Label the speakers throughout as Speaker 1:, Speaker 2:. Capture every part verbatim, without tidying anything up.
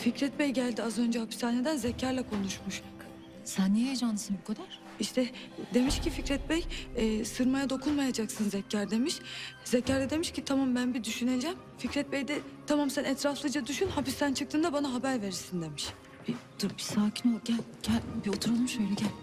Speaker 1: Fikret Bey geldi az önce hapishaneden, Zeker'le konuşmuş.
Speaker 2: Sen niye heyecanlısın bu kadar?
Speaker 1: İşte demiş ki Fikret Bey, e, sırmaya dokunmayacaksın Zeker demiş. Zeker de demiş ki tamam ben bir düşüneceğim. Fikret Bey de tamam sen etraflıca düşün, hapisten çıktığında bana haber verirsin demiş.
Speaker 2: Bir, dur bir sakin ol. Gel gel bir oturalım şöyle gel.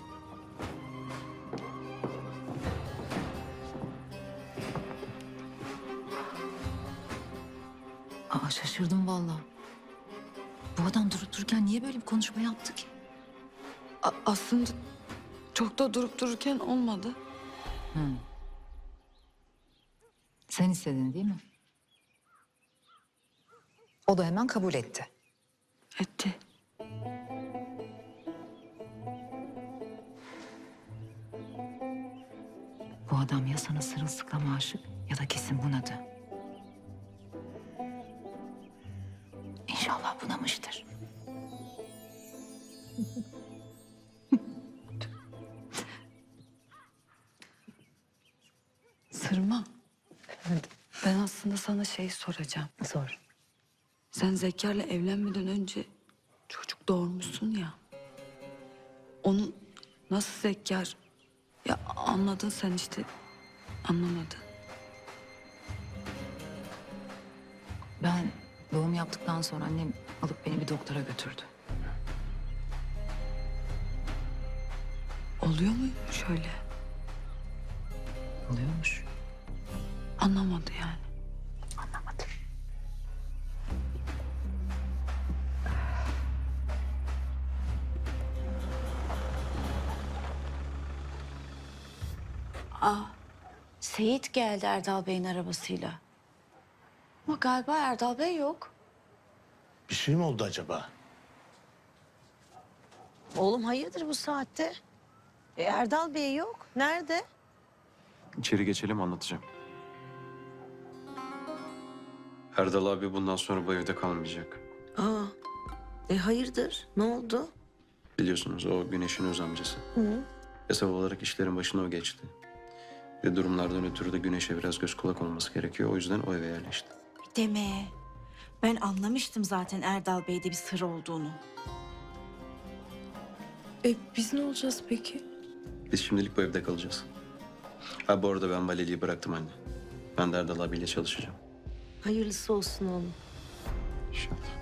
Speaker 2: Aa şaşırdım vallahi. Bu adam durup dururken niye böyle bir konuşma yaptı ki?
Speaker 1: A- aslında çok da durup dururken olmadı.
Speaker 2: Hı. Sen istedin değil mi? O da hemen kabul etti.
Speaker 1: Etti.
Speaker 2: Bu adam ya sana sırılsıklam aşık ya da kesin bunadı. İnşallah bunamıştır.
Speaker 1: Sırma. Ben aslında sana şey soracağım.
Speaker 2: Sor.
Speaker 1: Sen Zeker'le evlenmeden önce çocuk doğurmuşsun ya. Onun nasıl Zeker? Ya anladın sen işte. Anlamadın.
Speaker 2: Ben doğum yaptıktan sonra annem alıp beni bir doktora götürdü.
Speaker 1: Oluyor mu şöyle?
Speaker 2: Oluyormuş.
Speaker 1: Anlamadı yani.
Speaker 2: Anlamadım.
Speaker 3: Aa, Seyit geldi Erdal Bey'in arabasıyla. Ama galiba Erdal Bey yok.
Speaker 4: Bir şey mi oldu acaba?
Speaker 5: Oğlum hayırdır bu saatte? E, Erdal Bey yok. Nerede?
Speaker 6: İçeri geçelim anlatacağım. Erdal abi bundan sonra bu evde kalmayacak.
Speaker 5: Aa, e hayırdır? Ne oldu?
Speaker 6: Biliyorsunuz o Güneş'in öz amcası.
Speaker 5: Hı.
Speaker 6: Hesap olarak işlerin başına o geçti. Ve durumlardan ötürü de Güneş'e biraz göz kulak olması gerekiyor. O yüzden o eve yerleşti.
Speaker 3: Deme. Ben anlamıştım zaten Erdal Bey'de bir sır olduğunu.
Speaker 1: E biz ne olacağız peki?
Speaker 6: Biz şimdilik bu evde kalacağız. Ha bu arada ben valiliği bıraktım anne. Ben de Erdal abiyle çalışacağım.
Speaker 5: Hayırlısı olsun oğlum.
Speaker 6: İnşallah.